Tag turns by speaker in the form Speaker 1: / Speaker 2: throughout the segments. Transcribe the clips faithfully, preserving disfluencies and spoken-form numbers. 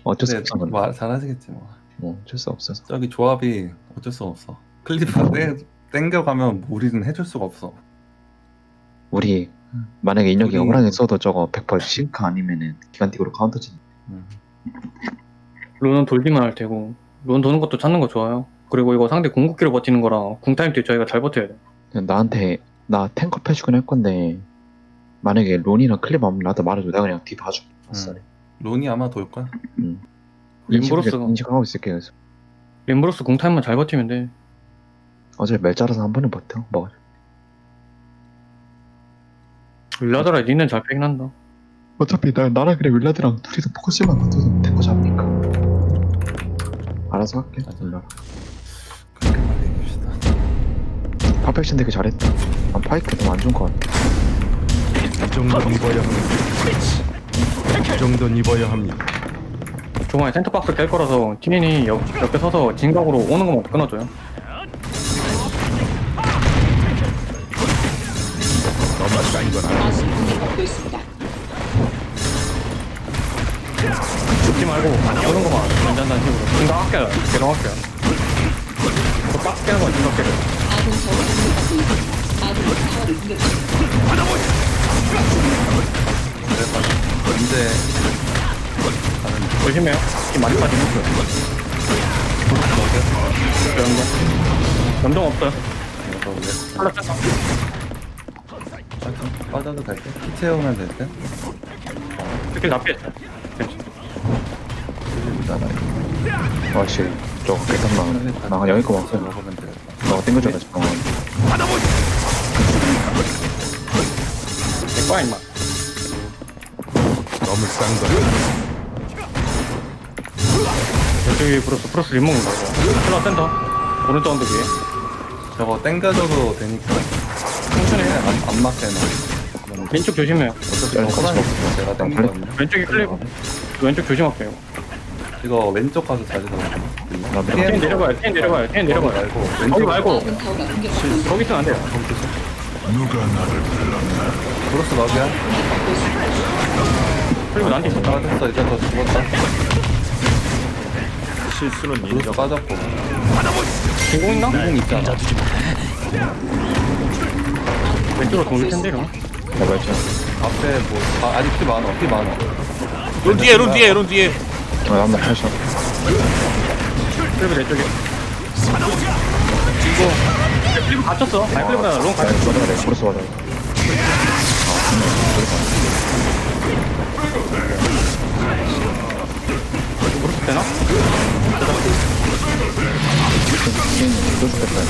Speaker 1: 어쩔 수
Speaker 2: 근데
Speaker 1: 없어. 근데.
Speaker 2: 말 잘하시겠지 뭐.
Speaker 1: 뭐 어쩔 수 없어서.
Speaker 2: 저기 조합이 어쩔 수 없어. 클리퍼 땡 땡겨가면 우리는 해줄 수가 없어.
Speaker 1: 우리 만약에 인력이
Speaker 2: 우리-
Speaker 1: 호랑이 써도 저거 백 퍼센트 싱크 아니면은 기간틱으로 카운터 친.
Speaker 2: 음.
Speaker 3: 론은 돌기만 할 테고 론 도는 것도 찾는 거 좋아요. 그리고 이거 상대 궁극기로 버티는 거랑 궁타임 때 저희가 잘 버텨야 돼.
Speaker 1: 그냥 나한테 나 탱커 패주긴 할 건데 만약에 론이나 클립 없면 나한테 말해줘. 내가 그냥 뒤 봐줘. 아싸.
Speaker 2: 음. 론이 아마 돌 거야.
Speaker 3: 림브로스가
Speaker 1: 인식하고 있을게. 그래서
Speaker 3: 림브로스 궁타임만 잘 버티면 돼.
Speaker 1: 어차피 멜자라서 한 번은 버텨. 뭐
Speaker 3: 윌라드라 니는 잘 빼긴 한다.
Speaker 1: 어차피 나, 나랑 그래 윌라드랑 둘이서 포커스만 맞춰서 탱커 잡으니까 알아서 할게.
Speaker 2: 맞아.
Speaker 1: 몰라.
Speaker 2: 그렇게 얘기합시다.
Speaker 1: 퍼펙션 되게 잘했다. 난 파이크 좀 안 좋은 거 같아.
Speaker 4: 이 정도는 입어야 합니다. 이 정도는 입어야 합니다.
Speaker 3: 중간에 센터박스 깰 거라서 티닌이 옆, 옆에 서서 진각으로 오는 것만 끊어줘요.
Speaker 4: 너무 싼 건 아니야.
Speaker 5: 아군 공격받고 있습니다.
Speaker 3: 죽지 말고 오는 것만 괜찮다는 식으로 진각 아껴요. 계속 아껴요. 그 박스 깨는 건 진각 깨요.
Speaker 5: 아군 타워가 공격받고 있습니다. 아군 타워를 공격 중.
Speaker 2: 그래서 언제 가는
Speaker 3: 조심해요. 힘 많이 빠지는 거예요. 연동. 연동 없어요.
Speaker 2: 거고
Speaker 3: 탈락 센터.
Speaker 2: 빠져도 될 때? 피 채우면 될 때?
Speaker 3: 스킬 다 피했어요. 괜찮아.
Speaker 1: 아씨 저거 개탄나. 나 여기 거 먹어.
Speaker 2: 먹으면 돼.
Speaker 1: 너가 땡겨줘라 지금.
Speaker 3: 내 거야 임마.
Speaker 4: 너무 싼 건.
Speaker 3: 저기 브로스 브로스 림 먹는 거죠. 탈락 센터. 오른쪽 언덕 위에.
Speaker 2: 저거 땡겨줘도 되니까
Speaker 3: 천천히 해.
Speaker 2: 안, 안 맞게 나.
Speaker 3: 왼쪽 조심해요.
Speaker 2: 어차피
Speaker 1: 야,
Speaker 2: 저
Speaker 1: 같이
Speaker 2: 호랑이
Speaker 1: 먹자.
Speaker 2: 제가
Speaker 1: 야,
Speaker 2: 땡기거든요.
Speaker 3: 왼쪽이 클립. 왼쪽 조심할게요.
Speaker 2: 이거 왼쪽 가서 자리 잡아요.
Speaker 1: 나
Speaker 3: 텐
Speaker 1: 밀어.
Speaker 3: 내려가요. 텐 내려가요. 텐 내려가요.
Speaker 2: 말고
Speaker 3: 거기
Speaker 2: 왼쪽
Speaker 3: 말고
Speaker 5: 아군 타워가 공격받고 있습니다.
Speaker 3: 거기 있으면 안 돼요.
Speaker 2: 브로스 막이야.
Speaker 5: 공격받고 있습니다.
Speaker 3: 그리고 나한테 있어.
Speaker 2: 빠졌어. 이제 더 죽었다.
Speaker 4: 실수는
Speaker 2: 브로스
Speaker 4: 인정.
Speaker 2: 빠졌고.
Speaker 3: 진공 있나?
Speaker 2: 공 있잖아.
Speaker 3: 왼쪽으로 돌릴 텐데 이러면.
Speaker 1: 나 말자.
Speaker 2: 앞에 뭐 아, 아직 피 많아. 피 많아.
Speaker 6: 론 뒤에 론 뒤에 론 뒤에
Speaker 1: 어, 한번 팔셔.
Speaker 3: 클립 내 쪽에. 이거 클립 갇혔어. 아니 클립보다 롱 갇혔어.
Speaker 1: 맞아, 내 브로스 맞아.
Speaker 3: 브로스 되나?
Speaker 1: 또 죽겠다.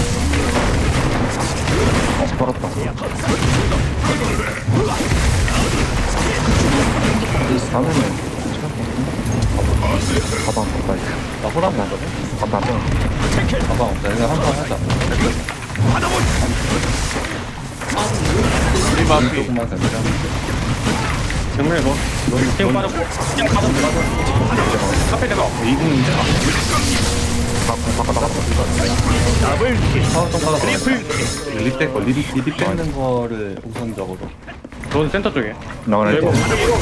Speaker 1: 어, 빨았다. 다음에는 가방 가방
Speaker 2: 나 호랑 먹거든.
Speaker 1: 가방 가방
Speaker 2: 가방 없다. 이거 한판 하자.
Speaker 6: 우리 마피
Speaker 2: 조금만 더 내려.
Speaker 3: 정말 뭐 팀 빠졌고 팀 빠졌고 카페 대가 이공인데
Speaker 1: 바꿔 나가.
Speaker 6: 더블 킬
Speaker 2: 파워 좀 받아.
Speaker 6: 트리플
Speaker 2: 리백 거, 리리 리백 뺏는 거를 우선적으로.
Speaker 3: 넌 센터 쪽에
Speaker 1: 나가는
Speaker 3: 이거
Speaker 1: 거.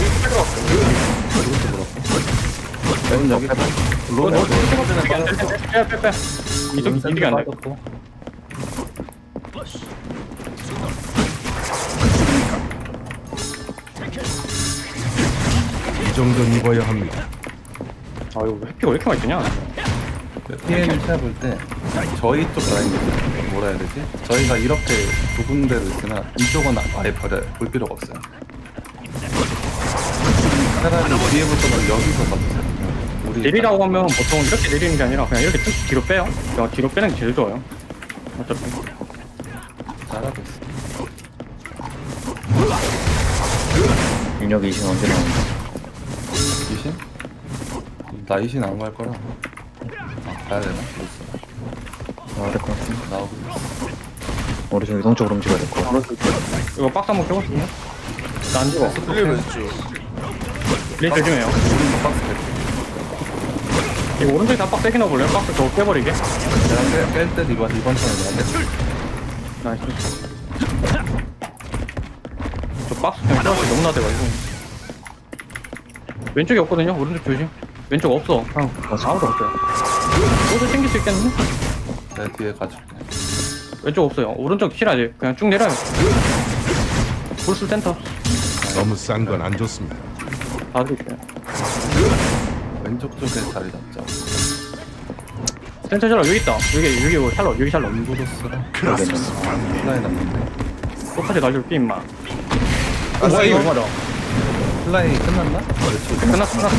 Speaker 2: 넌 여기 론 여기
Speaker 3: 빼빼빼 이쪽 이득이 안돼
Speaker 2: 빠졌고.
Speaker 4: 이 정도는 입어야 합니다.
Speaker 3: 아 이거 해피가 왜 이렇게 많이 뜨냐.
Speaker 2: 피엠을 찾아볼 때 저희 쪽 라인 뭐라 해야 되지? 저희가 이렇게 두 군데로 있으면 이쪽은 아예 버려요. 볼 필요가 없어요. 차라리 뒤에부터는 여기서 봐주세요. 우리
Speaker 3: 내리라고 하면 보통 이렇게 내리는 게 아니라 그냥 이렇게 쭉 뒤로 빼요. 그냥 뒤로 빼는 게 제일 좋아요. 어차피
Speaker 2: 잘하고 있어.
Speaker 1: 윤혁이 이신 언제 나온다?
Speaker 2: 이신? 나 이신 안 갈 거라. 아, 가야 되나? 있어.
Speaker 1: 나와야 될 것 같아.
Speaker 2: 나오고 있어.
Speaker 1: 우리 좀 이동적으로 움직여야 될 것 같아.
Speaker 3: 이거 박스 한번 껴보시면 나안 죽어.
Speaker 6: 클립 왼쪽
Speaker 3: 레이 조심해요.
Speaker 2: 박스 뺄게.
Speaker 3: 이거 오른쪽에 다 박스 세게 넣어볼래요? 박스 저거 빼버리게.
Speaker 2: 내가 뺄 때 이번 이번 턴에 내가
Speaker 3: 나이스. 저 박스 그냥 껴서 너무 나대가지고 왼쪽에 없거든요. 오른쪽 조심. 왼쪽 없어. 형 아무도 없어요. 모두 챙길 수 있겠는데?
Speaker 2: 내 뒤에 가줄게.
Speaker 3: 왼쪽 없어요. 오른쪽 킬하지. 그냥 쭉 내려요. 풀스 센터.
Speaker 4: 너무 싼 건 안 좋습니다.
Speaker 3: 다 드릴게요.
Speaker 2: 왼쪽 쪽에 자리 잡자.
Speaker 3: 센터 샬럿 여기 있다. 여기 여기 뭐 샬럿 여기 샬럿.
Speaker 2: 엠브로스랑
Speaker 1: 모르겠네.
Speaker 2: 플라이 남는데.
Speaker 3: 똑같이 가지고 삐 임마.
Speaker 6: 아,
Speaker 3: 뭐야 이거
Speaker 6: 이거
Speaker 3: 맞아.
Speaker 2: 플라이 끝났나?
Speaker 3: 끝났어 끝났어.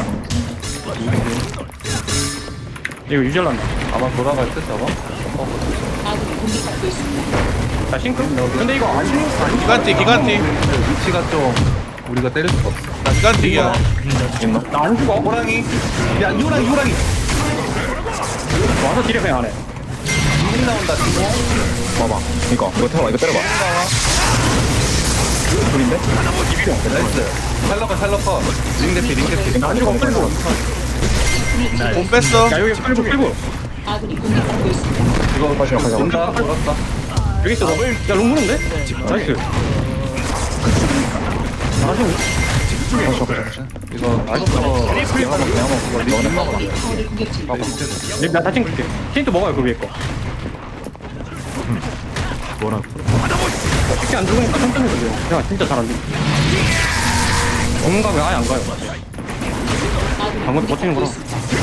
Speaker 3: 이거 유절난다.
Speaker 2: 아마 돌아갈 때 저거?
Speaker 5: 아군이 공격받고 있습니다.
Speaker 3: 자 싱크? 근데 이거 안 싱크 아니
Speaker 6: 기간티 기간티
Speaker 2: 위치가 좀 우리가 때릴 수가 없어.
Speaker 6: 기간티야.
Speaker 3: 나안 죽어.
Speaker 2: 호랑이! 야, 호랑이, 호랑이!
Speaker 3: 와서 딜에 그냥 안 해.
Speaker 2: 지금 나온다, 지금.
Speaker 1: 봐봐. 이거 이거 태워봐. 이거 때려봐. 둘인데?
Speaker 2: 나이스. 샬러커, 샬러커. 링대피, 링대피.
Speaker 3: 안 죽어 끌고.
Speaker 6: 돈 뺐어.
Speaker 3: 야 여기 끌고 끌고.
Speaker 5: 아군이 공격받고 있습니다.
Speaker 2: 이거
Speaker 1: 가시죠, 가시죠.
Speaker 2: 온다, 돌았다.
Speaker 3: 여기 있어. 야 롱무는데? 나이스. 나이스.
Speaker 2: 이거 아직도
Speaker 1: 내가 먹 내가 먹 그거 너네 먹어.
Speaker 5: 아군이 타워를 공격 중입니다.
Speaker 3: 나다 챙길게. 힌트 먹어요 그 위에 거.
Speaker 4: 뭐라
Speaker 3: 쉽게 안 죽으니까 천천히 돌려. 야 진짜 잘안 돼. 없는 가면 아예 안 가요.
Speaker 5: 아군이
Speaker 3: 방금 버티는 거라.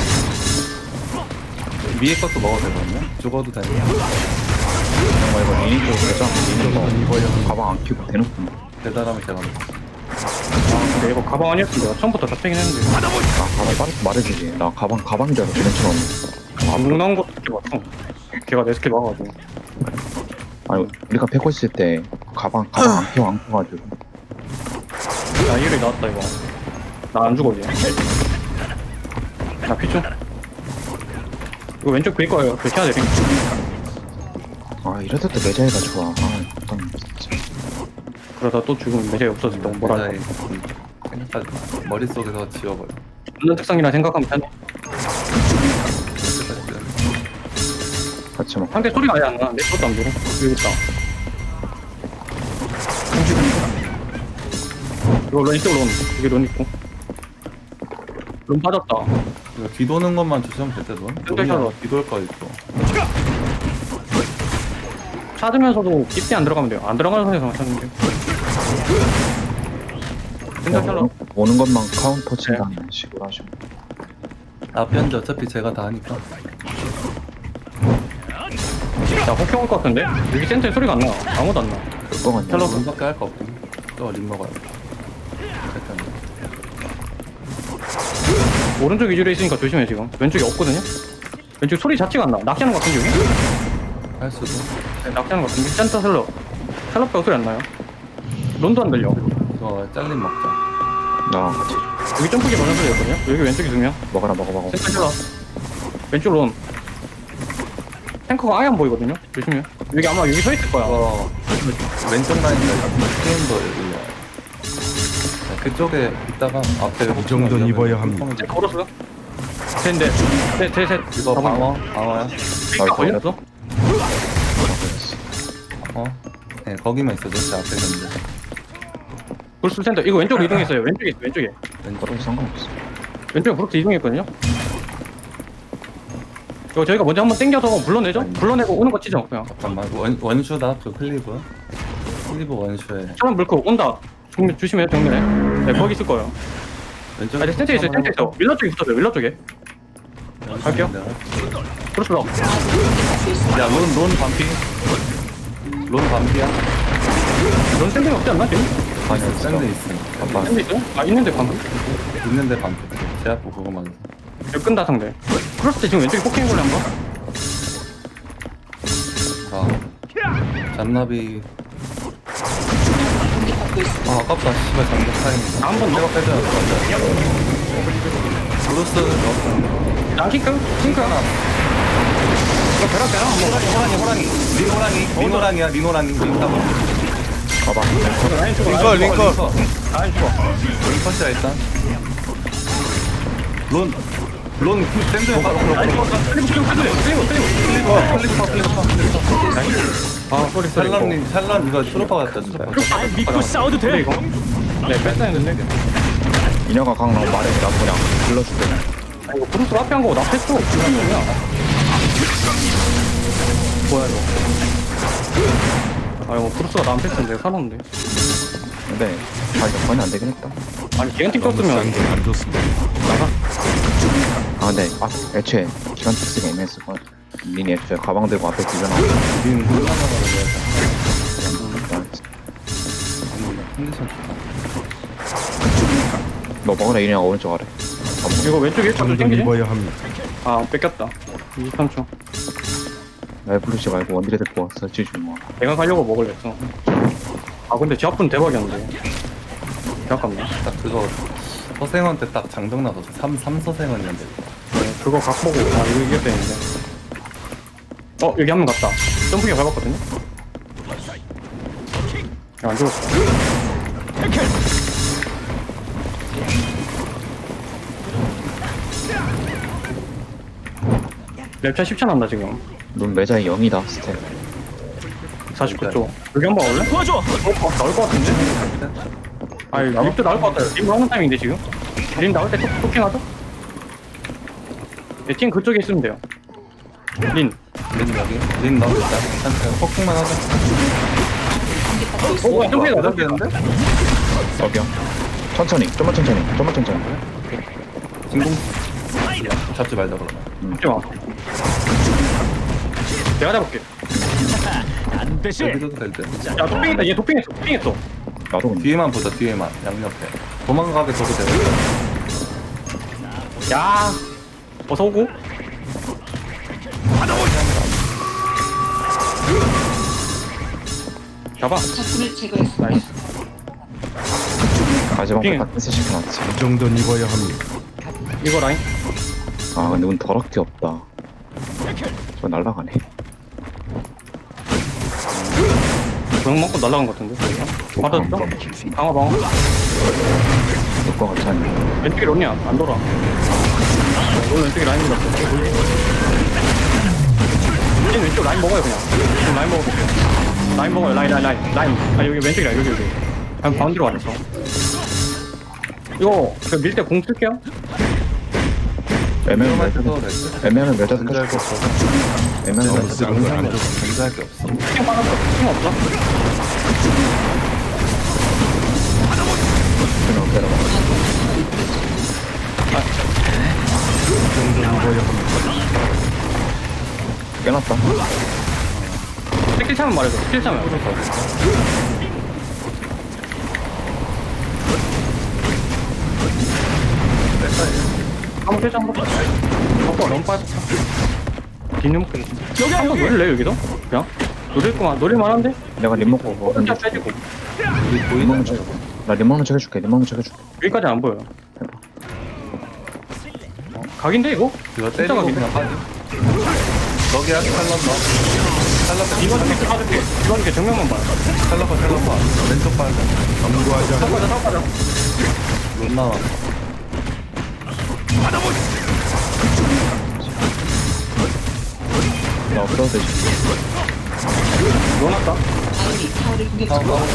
Speaker 2: 위에 것도 먹어도 되거든요? 죽어도 되는
Speaker 1: 정말 이거 리니지 되죠? 리니지 입어야 가방 안 끼고 대놓고.
Speaker 2: 대단하면 제가 먹어.
Speaker 3: 아 근데 이거 가방 아니었으면 내가 처음부터 다 빼긴 했는데.
Speaker 1: 나 가방 빠르게 말해주지. 나 가방 가방이라서 걔네처럼.
Speaker 3: 안 나온 것도 이렇게 봤어. 걔가 내 스킬 막아가지고.
Speaker 1: 아니 우리가 패고 있을 때 가방 가방 안 끼고 안 끼가지고.
Speaker 3: 야 이일이 나왔다 이거. 나 안 죽어 이제. 나 피충. 이거 왼쪽 bil 거예요. 그렇게 해야 돼.
Speaker 1: 아 이래도 또 매자이가 좋아. 아 어떤 진짜.
Speaker 3: 그러다 또 죽으면 매력이 없어진다. 뭐라
Speaker 2: 대단히
Speaker 3: 해.
Speaker 2: 생각하지 마. 머릿속에서 지워버려.
Speaker 3: 없는 특성이라 생각하면 편해.
Speaker 1: 같이 먹.
Speaker 3: 상대 소리가 아예 안 나는데 그것도 안 들어. 여기 있다. 이거 런 있어 런. 여기 런 있고. 런 빠졌다.
Speaker 2: 이거 뒤도는 것만 조심하면 될 때도.
Speaker 3: 샬러.
Speaker 2: 뒤돌 거 있고.
Speaker 3: 찾으면서도 깊게 안 들어가면 돼요. 안 들어가는 선에서만 찾으면 돼요. 센터 샬러.
Speaker 1: 오는 것만 카운터 친다는 식으로 하시면.
Speaker 2: 앞편지 어차피 제가 다 하니까.
Speaker 3: 자 혹형 올 것 같은데? 여기 센터에 소리가 안 나. 아무도 안 나.
Speaker 1: 그거 같냐?
Speaker 2: 샬러 분밖에 할 거 없고. 또림 먹어야 돼. 잠깐.
Speaker 3: 오른쪽 위주로 있으니까 조심해 지금. 왼쪽이 없거든요? 왼쪽 소리 자체가 안 나. 낚시하는 것 같은데 여기?
Speaker 2: 할 수도.
Speaker 3: 네, 낚시하는 것 같은데? 센터 샬러. 샬러 빼고 소리 안 나요. 론도 안 들려.
Speaker 2: 이거 잘림 먹자.
Speaker 1: 나 같이
Speaker 3: 여기 점프기 많은 소리였거든요? 여기 왼쪽이 두 명.
Speaker 1: 먹어라 먹어 먹어.
Speaker 3: 센터 샬러. 왼쪽 론. 탱커가 아예 안 보이거든요? 조심해요. 여기 아마 여기 서 있을 거야.
Speaker 2: 이거 왼쪽 라인에 게임도 올려. 그쪽에 있다가 앞에
Speaker 4: 이 정도는 입어야 합니다.
Speaker 3: 쟤 걸었어? 쟤인데. 쟤, 쟤, 쟤.
Speaker 2: 이거 방어, 방어야.
Speaker 3: 나 걸렸어?
Speaker 2: 어? 네, 거기만 있어. 제 앞에 있는데.
Speaker 3: 불스 센터. 이거 왼쪽으로 이동했어요. 왼쪽에 있어, 왼쪽에.
Speaker 2: 왼쪽.
Speaker 1: 그럼 상관없어.
Speaker 3: 왼쪽에 브룩스 이동했거든요? 이거 저희가 먼저 한번 땡겨서 불러내죠? 불러내고 오는 거 치죠, 그냥.
Speaker 2: 잠깐만. 원, 원슈다. 그 클리브. 클리브 원슈에.
Speaker 3: 차만 물고 온다. 정면, 조심해요, 정면에. 네, 거기 있을 거예요.
Speaker 2: 왼쪽에.
Speaker 3: 아, 이제 센터에 있어요, 센터에 있어. 윌러 쪽에 붙어줘요, 윌러 쪽에. 갈게요. 브룩스 러.
Speaker 2: 야, 론, 론 반피. 론 반피야.
Speaker 3: 넌 샌딩 없지 않나, 지금?
Speaker 2: 아니, 샌드 있어. 아빠.
Speaker 3: 샌드 있어요? 아, 있는데 방금.
Speaker 2: 있는데 반피. 제 앞에 그거만 있어.
Speaker 3: 여기 끈다, 상대. 크로스 때 지금 왼쪽에 포킹 걸려, 한 번?
Speaker 2: 아. 잔나비.
Speaker 5: 공격받고 있습니다.
Speaker 2: 아, 아깝다. 씨발, 장작 타임.
Speaker 3: 한 번 더.
Speaker 2: 내가 빼줘야 될것 같아. 브루스, 너.
Speaker 3: 나 싱크? 싱크 하나. 이거 벼락 벼락 한번
Speaker 2: 호랑이, 호랑이, 호랑이. 린 호랑이. 린 호랑이야, 린 호랑이. 린 따봐.
Speaker 1: 가방.
Speaker 3: 라인 죽어,
Speaker 6: 링커
Speaker 3: 라인
Speaker 6: 링커.
Speaker 3: 죽어. 라인 죽어.
Speaker 2: 링커시야, 일단. 론. 론, 샌드에 바로
Speaker 3: 라인
Speaker 2: 그렇고.
Speaker 3: 죽어. 클리브, 클리브, 클리브, 클리브, 클리브.
Speaker 2: 어, 클리퍼, 클리퍼, 클리퍼.
Speaker 3: 나이스. 아, 소리, 소리.
Speaker 2: 샬란님, 샬란 이거 트로파 같다, 진짜.
Speaker 3: 믿고 싸워도 돼, 이거? 네, 뺐다 했는데.
Speaker 1: 인혁아 강 나오면 말해. 나도 그냥 불러줄게.
Speaker 3: 아, 이거 브루스 앞에 한 거고 나 패스 무슨 일이야? 뭐야 이거? 아 이거 브루스가 나한 패스는 내가 사놓는데.
Speaker 1: 근데 아 이거 거의 안 되긴 했다.
Speaker 3: 아니 기간틱
Speaker 4: 너무
Speaker 3: 떴으면
Speaker 4: 싼 게 안 좋습니다.
Speaker 3: 나가.
Speaker 1: 아 근데 아 애초에 기관 특수가 애매했을 거야. 린이 애초에 가방 들고 앞에 뒤져나오고.
Speaker 2: 린 홀라나가는 거야. 컨디션 좋다.
Speaker 1: 너 먹으라 이리랑 오른쪽 아래.
Speaker 3: 이거 왼쪽에 일단
Speaker 4: 정도
Speaker 3: 땡기지?
Speaker 4: 입어야 합니다.
Speaker 3: 아 뺏겼다. 이십삼 초.
Speaker 1: 날 부르지 말고 원딜에 데리고 왔어. 지지 뭐.
Speaker 3: 내가 가려고 먹을래 했어. 아 근데 지압분 대박이었는데. 개 아깝네.
Speaker 2: 딱 그거 서생원때 딱 장정 나서 삼, 삼 서생원이었는데.
Speaker 3: 네, 그거 각 보고 아 이거 이겼다는데. 어 여기 한 명 갔다. 점프기 밟았거든요. 야, 안 죽었어. 랩차 십 차 난다 지금.
Speaker 1: 넌 매자의 영이다 스텝.
Speaker 3: 사십구 초. 여기 한 번 올래? 도와줘. 어, 어, 나올 것 같은데? 아니 립도 나올 것 같아요. 립 하는 타임인데 지금. 립 나올 때 톡, 토킹하죠? 네, 팀 그쪽에 있으면 돼요. 린.
Speaker 2: 린 여기. 린 넣어 일단. 일단 폭풍만 하자.
Speaker 3: 어, 뭐야, 점프해 나가.
Speaker 2: 되는데?
Speaker 1: 저기요. 천천히. 좀만 천천히. 좀만 천천히.
Speaker 2: 진공. 잡지 말자 그러면.
Speaker 3: 잡지 마. 내가 잡을게.
Speaker 2: 여기도 될 듯.
Speaker 3: 야, 도핑했다. 얘 도핑했어. 도핑했어.
Speaker 1: 나도 근데.
Speaker 2: 뒤에만 보자 뒤에만 양옆에. 도망가게 줘도 되고.
Speaker 3: 야, 어서 오고. 잡아.
Speaker 5: 적군을 제거했습니다.
Speaker 3: 나이스.
Speaker 1: 마지막
Speaker 3: 핑.
Speaker 1: 딱 패스 시켜놨지.
Speaker 4: 이 정도는 입어야 합니다.
Speaker 3: 이거 라인.
Speaker 1: 아 근데 운 더럽게 없다. 저 날라가네.
Speaker 3: 조용 먹고 날아간 것 같은데. 받았어? 방어 방어.
Speaker 1: 내거 같지 않냐.
Speaker 3: 왼쪽에 론이야. 안 돌아. 론 왼쪽에 라인 들었어. 이 왼쪽 라인 먹어요 그냥. 지금 라인 먹어볼게요. 라인 먹어요. 라인 라인 라인 라인. 아 여기 왼쪽이야 여기 여기. 그냥 가운데로 와있어. 이거 밀 때 공 쓸게요.
Speaker 1: 애매하면
Speaker 2: 할
Speaker 1: 매자.
Speaker 2: 때도 될 듯.
Speaker 1: 애매하면 매자
Speaker 2: 견제할 게
Speaker 1: 스킬.
Speaker 2: 없어.
Speaker 1: 애매하면
Speaker 4: 너무
Speaker 1: 매자
Speaker 4: 싼 건 안 좋습니다.
Speaker 2: 견제할 게 없어.
Speaker 3: 팀 빠졌어. 팀 없어?
Speaker 1: 스킬 내려가.
Speaker 4: 이 정도는 입어야 합니다.
Speaker 1: 깨놨다.
Speaker 3: 스킬 차면 말해줘. 스킬 차면. 한번 빼자 한번 빼자. 아빠 너무 빠졌어. 뒷님 먹겠네. 여기 한번 노릴래 여기도? 그냥? 노릴구만. 노릴만한데?
Speaker 1: 내가 림 먹고 뭐
Speaker 3: 혼자
Speaker 1: 근데
Speaker 3: 빼지고.
Speaker 2: 우리
Speaker 1: 림
Speaker 2: 보이는
Speaker 1: 먹는 척. 나림 먹는 척 해줄게. 림 먹는 척 해줄게.
Speaker 3: 여기까지 안 보여. 어, 각인데 이거?
Speaker 2: 이거
Speaker 3: 진짜
Speaker 2: 때리고
Speaker 3: 각인데?
Speaker 2: 그냥 빠지. 거기야 탈락 넣어. 탈락
Speaker 3: 이번 게 빠질게. 이번 게 정면만 봐.
Speaker 2: 탈락 탈락 봐. 왼쪽 빠져.
Speaker 4: 강구하지 않
Speaker 3: 섞어자 섞어자.
Speaker 2: 못 나와.
Speaker 1: 나 없어도 되지.
Speaker 3: 넣어놨다.
Speaker 5: 아군이 타워를 공격
Speaker 2: 다음
Speaker 5: 중.
Speaker 2: 가운데.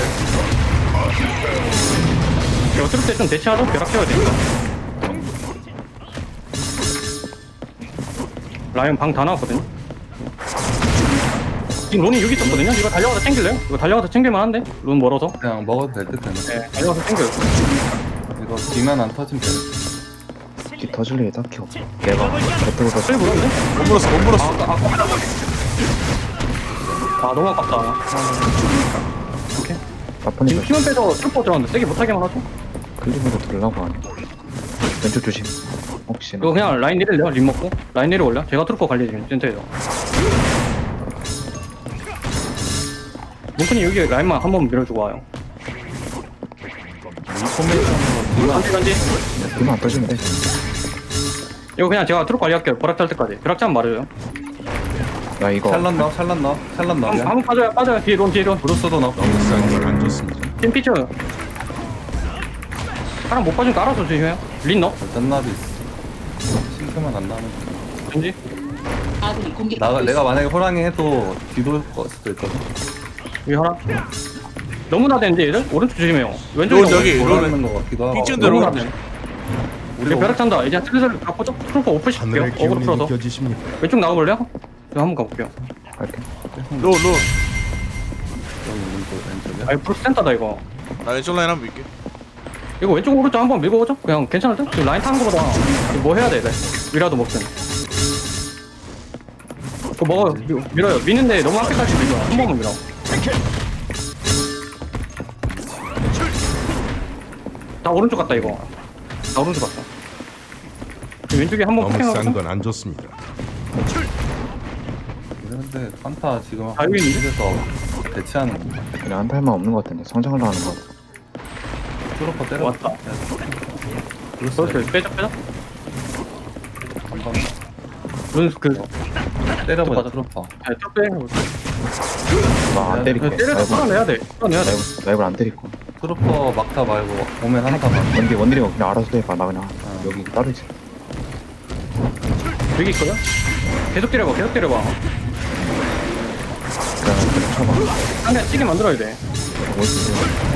Speaker 3: 이거 트를 때좀 대치하죠? 벼락 채워야 되니까. 라이언 방 다 나왔거든요. 지금 론이 여기 있었거든요. 이거 달려가서 챙길래요? 이거 달려가서 챙길만 한데? 론 멀어서?
Speaker 2: 그냥 먹어도 될 듯 되네.
Speaker 3: 네, 달려가서 챙겨요.
Speaker 2: 이거 뒤만 안 터지면 돼.
Speaker 1: 뒤 터질 일이 딱히 없어. 내가 겉으로 서
Speaker 3: 쓸 물었는데?
Speaker 6: 못 물었어 못 물었어.
Speaker 3: 아, 아깝다. 아, 너무 아깝다. 오케이.
Speaker 1: 나쁜이
Speaker 3: 지금 팀원 빼서 트루퍼 들어갔는데 세게 못하게만 하죠?
Speaker 1: 클립으로 들라고 하네. 왼쪽 조심. 혹시나.
Speaker 3: 이거 그냥 라인 내릴래요? 림 먹고? 라인 내려올려? 제가 트루퍼 관리 지금 센터에서. 몽크님 여기 라인만 한 번 밀어주고 와요.
Speaker 2: 이 포메이션으로 뒤만
Speaker 3: 간지 간지.
Speaker 1: 뒤만 안 터지면 돼.
Speaker 3: 이거 그냥 제가 트루퍼 관리할게요. 벼락 찰 때까지. 벼락 차면 말해줘요.
Speaker 1: 나 이거
Speaker 2: 찰런 넣어 찰런 넣어 찰런 넣어.
Speaker 3: 한번 한번 빠져요 빠져요. 뒤에 론 뒤에 론.
Speaker 2: 브루스도 넣어.
Speaker 4: 너무 싼 건 안 좋습니다.
Speaker 3: 팀 피처. 사람 못 빠지니까 알아서 조심해요. 린 넣어.
Speaker 2: 짠나비 있어. 싱크만 안 나면 돼.
Speaker 3: 왠지.
Speaker 5: 아군이
Speaker 2: 나
Speaker 5: 공격받고
Speaker 2: 내가
Speaker 5: 있습니다.
Speaker 2: 만약에 호랑이 해도 뒤돌 거 수도 있거든.
Speaker 3: 여기 하나. 너무 나대는데 얘들? 오른쪽 조심해요. 왼쪽에
Speaker 6: 론 여기, 론.
Speaker 2: 돌아가는 거 같기도 하고.
Speaker 6: 삐쩍 들어오네.
Speaker 3: 너무 나대. 우리 벼락 찬다. 이제 슬슬 가보죠. 트루퍼 오프 시킬게요.
Speaker 4: 하늘의
Speaker 3: 어그로
Speaker 4: 기운이
Speaker 3: 풀어서.
Speaker 4: 느껴지십니까?
Speaker 3: 왼쪽 나가볼래요? 저 한번 가볼게요.
Speaker 1: 갈게.
Speaker 6: 로, 로.
Speaker 2: 여기 오른쪽 왼쪽에.
Speaker 3: 아이 프로 센터다 이거.
Speaker 6: 나 왼쪽 라인 한번 밀게.
Speaker 3: 이거 왼쪽 오른쪽 한번 밀고 오죠? 그냥 괜찮을 듯? 지금 라인 타는 거보다 뭐 해야 돼? 네. 위라도 먹든. 그거 먹어요. 밀- 밀어요. 미는데 너무 앞에까지 밀어. 한 번만 밀어. 다 오른쪽 갔다 이거. 다 오른쪽 갔다. 지금 왼쪽에 한 번
Speaker 4: 너무
Speaker 3: 폭행하고.
Speaker 4: 싼 건 안 좋습니다.
Speaker 2: 근데 판타 지금
Speaker 3: 아, 여기 있는데?
Speaker 2: 한국에서 대치하는 건가?
Speaker 1: 그냥 한 팔만 없는 것 같은데 성장을 하는 거 같아.
Speaker 2: 트로퍼 때려.
Speaker 3: 왔다.
Speaker 2: 그렇어.
Speaker 3: 그렇게 빼자 빼자.
Speaker 2: 한번
Speaker 3: 룬스 그.
Speaker 2: 때려보자
Speaker 3: 맞아.
Speaker 2: 트로퍼.
Speaker 3: 아, 쭉 빼.
Speaker 1: 나안 때릴게.
Speaker 3: 때려도
Speaker 1: 라이브,
Speaker 3: 끌어내야 돼. 끌어내야 돼.
Speaker 1: 라이브, 라이브를 안 때릴 거.
Speaker 2: 트로퍼 막타 말고 오면 한타 막.
Speaker 1: 원딜 원딜이 그냥 알아서 해봐. 나 그냥
Speaker 2: 어.
Speaker 1: 여기 따로 있어.
Speaker 3: 여기 있거든? 계속 때려봐, 계속 때려봐.
Speaker 1: 그냥 그냥 쳐봐.
Speaker 3: 상대 찌게 만들어야 돼.
Speaker 1: 뭐 있어?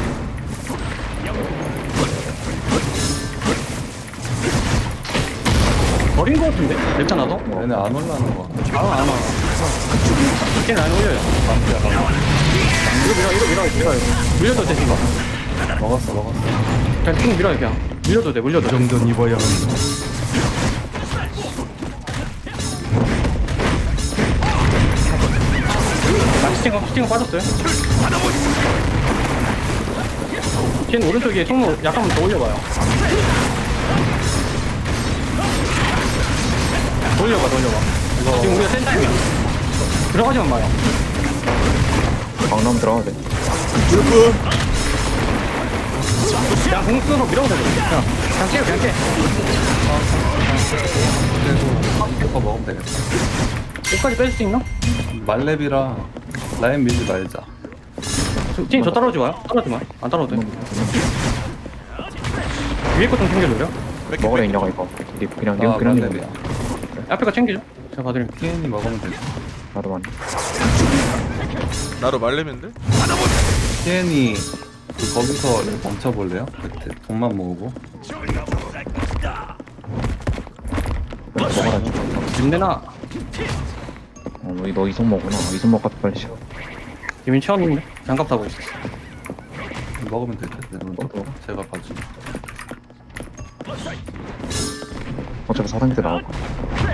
Speaker 3: 버린 거 같은데? 랩차 나도?
Speaker 2: 얘네 안 올라오는 거.
Speaker 3: 아, 안 와. 걔는 안 올려요. 이거 밀어, 이거 밀어, 밀어. 밀려도 돼, 지금.
Speaker 2: 먹었어 먹었어.
Speaker 3: 그냥 쭉 밀어요, 그냥. 밀려도 돼, 밀려도
Speaker 4: 이
Speaker 3: 돼.
Speaker 4: 정도는 입어야 합니다.
Speaker 3: 나 스팅어, 스팅어 빠졌어요. 걔는 오른쪽에 통로 약간만 더 올려봐요. 더 올려봐, 더 올려봐. 지금 우리가 센 타임이야. 들어가지만 마요.
Speaker 1: 강남 들어가야 돼.
Speaker 6: 그
Speaker 3: 그냥 공 쓰고 밀어도 돼. 그냥, 그냥 깨요, 그냥 깨.
Speaker 2: 그래도 트로퍼 먹으면 되겠다.
Speaker 3: 옷까지 뺄 수 있나?
Speaker 2: 말렙이라 라인 밀지 말자.
Speaker 3: 저, 팀 저 따라오지 마요. 따라오지 마. 안 따라오도 돼. 위에 거 좀 챙겨줘요.
Speaker 1: 먹으라 인정아 이거. 니 그냥 니
Speaker 2: 아
Speaker 1: 그냥
Speaker 2: 말렙이야.
Speaker 1: 니
Speaker 3: 앞에 거 챙기죠. 제가 봐드릴게요.
Speaker 2: 티엔이 먹으면 되지.
Speaker 1: 나도 많이.
Speaker 6: 나로 말레면데?
Speaker 2: 티엔이 그 거기서 멈춰볼래요? 그때 돈만 모으고.
Speaker 1: 먹어라.
Speaker 3: 님내나
Speaker 1: 어, 너, 너 이성모구나. 이성모 같아 빨리 씹어.
Speaker 3: 이민 처음인데 장갑 타고 있어.
Speaker 2: 먹으면 되지. 네,
Speaker 1: 어?
Speaker 2: 제가 봐줄게.
Speaker 1: 어차피 사단계 때 나올 거야.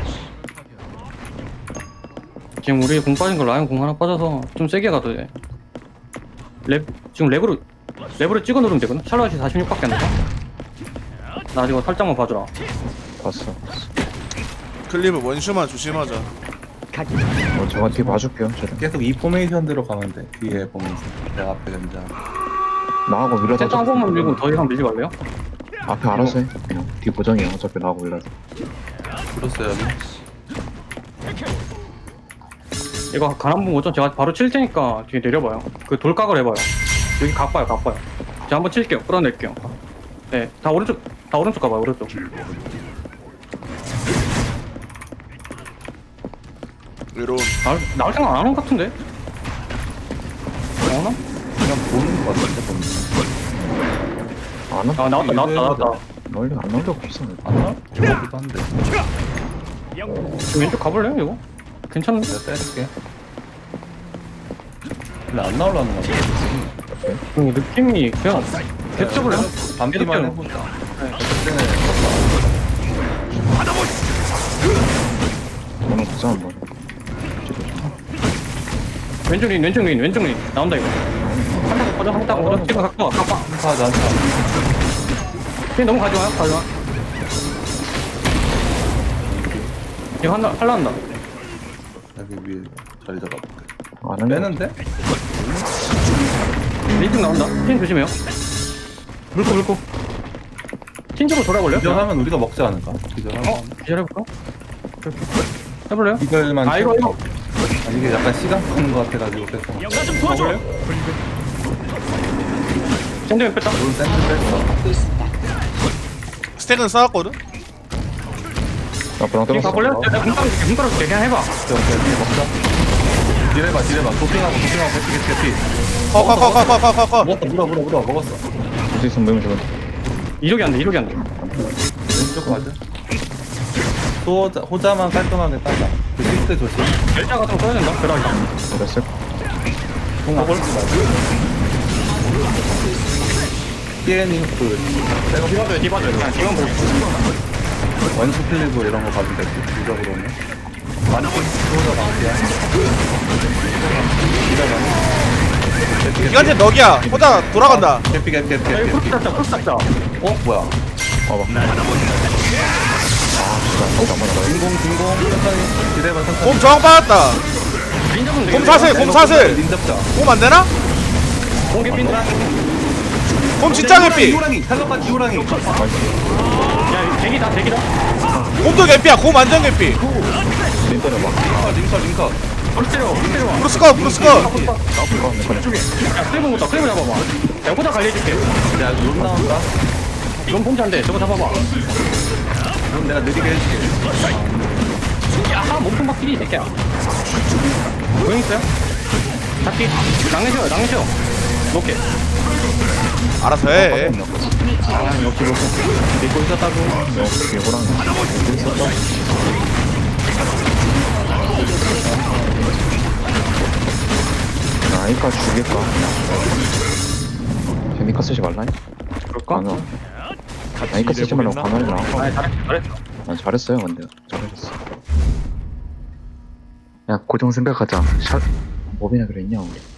Speaker 3: 지금 우리 공 빠진 거 라이언 공 하나 빠져서 좀 세게 가도 돼. 랩 지금 랩으로 랩으로 찍어 누르면 되거든. 샬롯이 사십육밖에 안 돼서. 나 이거 살짝만 봐주라.
Speaker 1: 봤어.
Speaker 6: 클립은 원슈만 조심하자.
Speaker 1: 어, 제가 뒤에 봐줄게요. 저를.
Speaker 2: 계속 이 포메이션대로 가면 돼. 뒤에 보면서 내가 앞에 견자.
Speaker 1: 나하고 밀어서
Speaker 3: 센터 한 번만 밀고 더 이상 밀지 말래요?
Speaker 1: 앞에 알아서 해. 그냥 뒤 보정이야. 어차피 나하고 밀어서.
Speaker 2: 들었어요 여기.
Speaker 3: 이거 가난분 오전 제가 바로 칠 테니까 뒤에 내려봐요. 그 돌각을 해봐요. 여기 각 봐요, 각 봐요. 제가 한번 칠게요. 끌어낼게요. 네, 다 오른쪽, 다 오른쪽 가봐요, 오른쪽.
Speaker 6: 외로운.
Speaker 3: 나올, 나올 생각 안 하는 것 같은데? 나오나?
Speaker 2: 그냥 보는 거 같은데 보는 거.
Speaker 1: 안 와?
Speaker 3: 아, 나왔다, 나왔다, 나왔다.
Speaker 1: 널리 안 나올 적 없어.
Speaker 2: 안 나? 저거기도 한데.
Speaker 3: 지금 왼쪽 가볼래요, 이거? 괜찮은데?
Speaker 2: 내가 때릴게. 근데 안 나오려는 거 같아.
Speaker 3: 그 느낌이 그냥 계속 쳐볼래요?
Speaker 2: 반피만
Speaker 3: 계속
Speaker 2: 해보자.
Speaker 3: 네.
Speaker 2: 그때는
Speaker 1: 너는 보자 한번.
Speaker 3: 왼쪽 린, 왼쪽 린, 왼쪽 린. 나온다, 이거. 한타고 꺼져, 한타고 꺼져. 지금 갖고 와, 갖고 와.
Speaker 2: 한타하자 한타.
Speaker 3: 그냥 너무 가져와요, 가져와. 이거 한다, 할라 한다.
Speaker 2: 여기 위에 자리 잡아볼게.
Speaker 1: 안 할래?
Speaker 2: 빼는데?
Speaker 3: 왼쪽 나온다. 핀 조심해요. 물고, 물고. 핀쪽으로 돌아볼래요?
Speaker 2: 기절하면 우리가 먹지 않을까? 기절하면.
Speaker 3: 어? 기다려볼까? 이렇게. 해볼래요?
Speaker 2: 기절만
Speaker 3: 아, 이거, 이거.
Speaker 2: 아, 이게 약간 시간 끄는 거 같아가지고 그래서
Speaker 3: 도와줄래요? 샌드맨 뺐다.
Speaker 2: 롤 샌드 뺐어.
Speaker 5: 받고 있습니다.
Speaker 6: 스택은 쌓았거든?
Speaker 1: 나 불랑
Speaker 3: 지금
Speaker 1: 뜯었어.
Speaker 3: 가볼래요? 내가 문 깔아줄게, 문 깔아줄게. 그냥 해봐.
Speaker 2: 오케이 오케이 먹자. 딜해봐 딜해봐. 도핑하고 도핑하고 개피 개피 개피.
Speaker 6: 커커커커커커커.
Speaker 2: 먹었어 물어 물어 물어 먹었어.
Speaker 1: 볼수 있으면 모이면 좋은데.
Speaker 3: 이쪽이 안 돼, 이쪽이 안 돼.
Speaker 2: 왼쪽 왼쪽 가자. 호자, 호자만 깔끔하게 따자. 그 실드 조심.
Speaker 3: 열자 같은 거 써야 된다. 그러자.
Speaker 1: 그랬을
Speaker 2: 공을 피엔이 그 백업
Speaker 3: 디바줘요, 디바줘요. 그냥 디만 보고.
Speaker 2: 원수 클리브 이런 거 가면 돼. 무적으로는. 완전 호자 방피야. 기다려.
Speaker 6: 기간제 넉이야. 호다 돌아간다.
Speaker 2: 개피 개피 개피
Speaker 3: 야, 이거
Speaker 2: 개피.
Speaker 3: 크로스 잡자, 크로스 잡자.
Speaker 2: 어 뭐야?
Speaker 1: 봐봐. 아, 진짜. 안 맞아.
Speaker 2: 진공 진공 천천히 기대봐 천천히.
Speaker 6: 곰 저항 받았다.
Speaker 3: 린 잡으면
Speaker 6: 곰
Speaker 3: 되겠네.
Speaker 6: 사슬, 곰 사슬.
Speaker 2: 린 잡자.
Speaker 6: 곰 안 되나?
Speaker 3: 공개 빈다.
Speaker 6: 곰 진짜 개피.
Speaker 2: 호랑이 탈락한 호랑이.
Speaker 3: 야, 대기다, 대기다.
Speaker 6: 곰도 개피야. 곰 완전 개피.
Speaker 1: 린 때려봐.
Speaker 2: 링커 링커 링커.
Speaker 3: 브루스 때려, 브루스 때려.
Speaker 6: 브루스 컷, 브루스 컷.
Speaker 1: 나쁘고 안 돼.
Speaker 3: 쪽에. 야, 클레버 못다, 클레버 잡아봐. 야, 호다 관리해줄게.
Speaker 2: 야론 나온다.
Speaker 3: 이건 폼차인데, 저거 잡아봐.
Speaker 2: 론 내가 느리게 해줄게.
Speaker 3: 야, 몸통 박히리, 이 새끼야. 보행 있어요? 잡기. 랑내셔요, 랑내셔. 놓게.
Speaker 6: 알아서 해.
Speaker 3: 아, 역시 놓고. 믿고 있었다고.
Speaker 1: 역시 호랑이. 있었다. 나 아이까 죽일까? 제니까 쓰지 말라니?
Speaker 3: 그럴까?
Speaker 1: 아니야. 아이까 쓰지 말라고 강화를 나.
Speaker 3: 아, 잘했어, 잘했어.
Speaker 1: 아, 잘했어요, 근데. 잘하셨어. 야, 고정 생각하자. 샷, 몹이나 그랬냐, 우리.